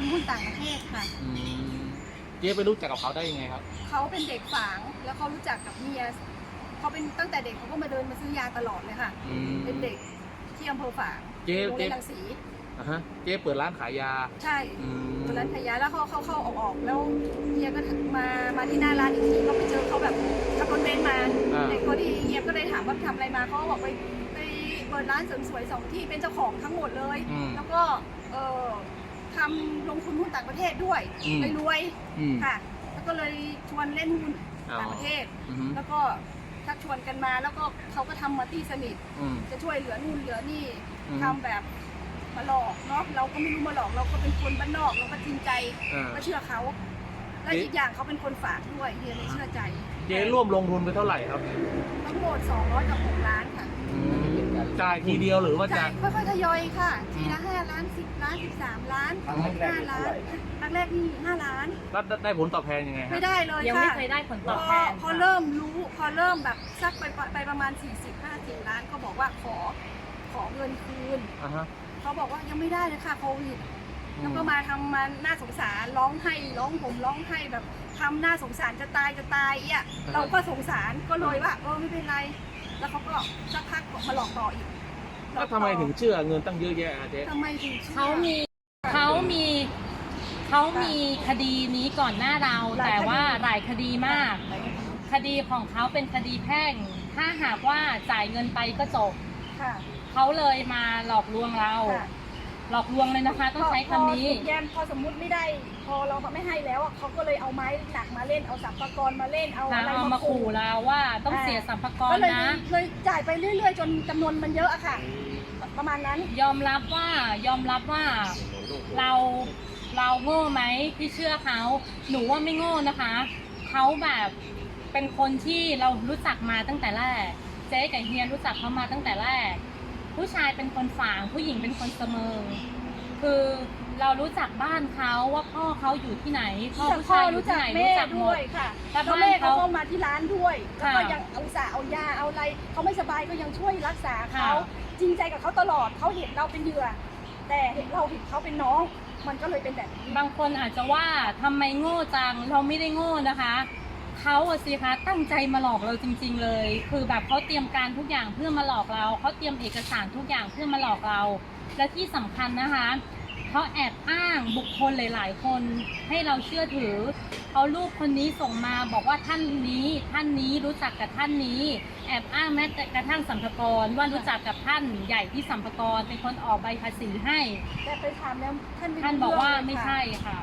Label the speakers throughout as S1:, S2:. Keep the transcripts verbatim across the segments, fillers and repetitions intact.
S1: งหุ้นต่างประเทศค่ะ
S2: เจ๊ไปรู้จักกับเขาได้ยังไงครับ
S1: เขาเป็นเด็กฝางแล้วเขารู้จักกับเมียเขาเป็นตั้งแต่เด็กเขาก็มาเดินมาซื้อยาตลอดเลยค่ะเป็นเด็กที่อำเภอฝาง
S2: เจ๊
S1: โรงเรียนรังสี
S2: อ่ะฮะเจ๊เปิดร้านขายยา
S1: ใช่เปิดร้านขายยาแล้วเขาเข้าเข้าออกออกแล้วเฮียก็มามาที่หน้าร้านอีกทีก็ไปเจอเขาแบบขับรถเบนซ์มาเด็กพอดีเฮียก็เลยถามว่าทำอะไรมาเขาบอกไปไปเปิดร้านเสริมสวยสองที่เป็นเจ้าของทั้งหมดเลยแล้วก็เออทำลงทุนหุ้นต่างประเทศด้วยไปรวยค่ะแล้วก็เลยชวนเล่นหุ้นต่างประเทศแล้วก็ชักชวนกันมาแล้วก็เขาก็ทำมาตีสนิทจะช่วยเหลือนู่นเหลือนี่ทำแบบมาหลอกเนาะเราก็ไม่รู้มาหลอกเราก็เป็นคนบ้านนอกเราก็จริงใจก็เชื่อเขาและอีกอย่างเขาเป็นคนฝากด้วยเฮียเลยเชื่อใจ
S2: เจ๊ร่วมลงทุนไปเท่าไหร่ครับ
S1: ทั้งหมดสองร้อยกับหกล้านค่ะ
S2: จ่ายทีเดียวหรือว่า
S1: จ่ายค่อยๆทยอยค่ะทีละห้าล้านสิบล้านสิบสามล้านห้าล้านครั้งแรกนี่ห้าล้าน
S2: แล้วได้ผลตอบแทนยังไง
S1: ไม่ได้เลยค่ะ
S3: ยังไม่เคยได้ผลตอบแทน
S1: พอเริ่มรู้พอเริ่มแบบสักไปไปประมาณสี่สิบห้าสิบล้านก็บอกว่าขอขอเงินคืนเขาบอกว่ายังไม่ได้เลยค่ะโควิดแล้วก็มาทำมันน่าสงสารร้องไห้ร้องผมร้องไห้แบบทำน่าสงสารจะตายจะตายอ่ะเราก็สงสารก็เลยว่าเออไม่เป็นไรแล้วเขาก็สักพักมาหลอกต่ออีก
S2: แล้วทำไมถึงเชื่อเงินตั้งเยอะแยะเจ๊
S1: ทำไมถึง
S3: เขามีเขามีเขามีคดีนี้ก่อนหน้าเราแต่ว่าหลายคดีมากคดีของเขาเป็นคดีแพ่งถ้าหากว่าจ่ายเงินไปก็จบเขาเลยมาหลอกลวงเราหลอกลวงเลยนะคะต้องใช้คำนี้
S1: แยมพอสมมุติไม่ได้พอเราไม่ให้แล้วเขาก็เลยเอาไม้หนักมาเล่นเอาสัมภาระมาเล่นเอาอะไร
S3: มาขู่เราว่าต้องเสียสัมภาระนะ
S1: เลยจ่ายไปเรื่อยๆจนจำนวนมันเยอะอะค่ะประมาณนั้น
S3: ยอมรับว่ายอมรับว่าเราเราโง่ไหมที่เชื่อเขาหนูว่าไม่โง่นะคะเขาแบบเป็นคนที่เรารู้จักมาตั้งแต่แรกเจ๊กับเฮียรู้จักเขามาตั้งแต่แรกผู้ชายเป็นคนฝางผู้หญิงเป็นคนเสมอคือเรารู้จักบ้านเขาว่าพ่อเขาอยู่ที่ไหนพ่อผู้ชายอยู่ที่ไหนรู้จักด้วย
S1: ค่ะแล้วแม่เขาก็มาที่ร้านด้วยแล้วก็ยังเอาสาเอายาเอาอะไรเขาไม่สบายก็ยังช่วยรักษาเขาจริงใจกับเขาตลอดเขาเห็นเราเป็นเหยื่อแต่เห็นเราเห็นเขาเป็นน้องมันก็เลยเป็นแบบนี้
S3: บางคนอาจจะว่าทำไมโง่จังเราไม่ได้โง่นะคะเขาสิคะตั้งใจมาหลอกเราจริงๆเลยคือแบบเขาเตรียมการทุกอย่างเพื่อมาหลอกเราเขาเตรียมเอกสารทุกอย่างเพื่อมาหลอกเราและที่สำคัญนะคะเขาแอบอ้างบุคคลหลายๆคนให้เราเชื่อถือเอารูปคนนี้ส่งมาบอกว่าท่านนี้ท่านนี้รู้จักกับท่านนี้แอบอ้างแม้แต่กระทั่งสัมภาระว่ารู้จักกับท่านใหญ่ที่สัมภาระเป็นคนออกใบภาษีให้
S1: แต่ไปถามแล้วท่าน
S3: ท่านบอกว่าไม่ใช่ค่ะ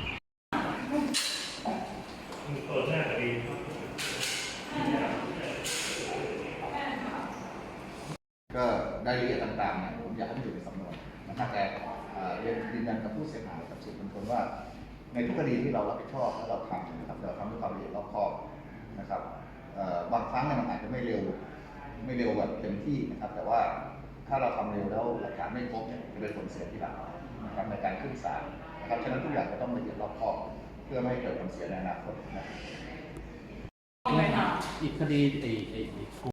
S4: ก็รายละเอียดต่างๆเนี่ยผมอยากให้มันอยู่ในสำนวนนะครับแต่เรียนยืนยันกับผู้เสียหายกับสื่อมวลชนว่าในทุกคดีที่เรารับผิดชอบและเราทำนะครับเราทำด้วยความละเอียดรอบคอบนะครับบางครั้งเนี่ยมันอาจจะไม่เร็วไม่เร็วแบบเต็มที่นะครับแต่ว่าถ้าเราทำเร็วแล้วหลักฐานไม่ครบเนี่ยจะเป็นผลเสียที่หลังนะครับในการขึ้นศาลนะครับฉะนั้นทุกอย่างจะต้องละเอียดรอบคอบเพื่อไม่ให้เกิดผลเสียในอนาคตนะครับ
S2: อีกคดีไอ้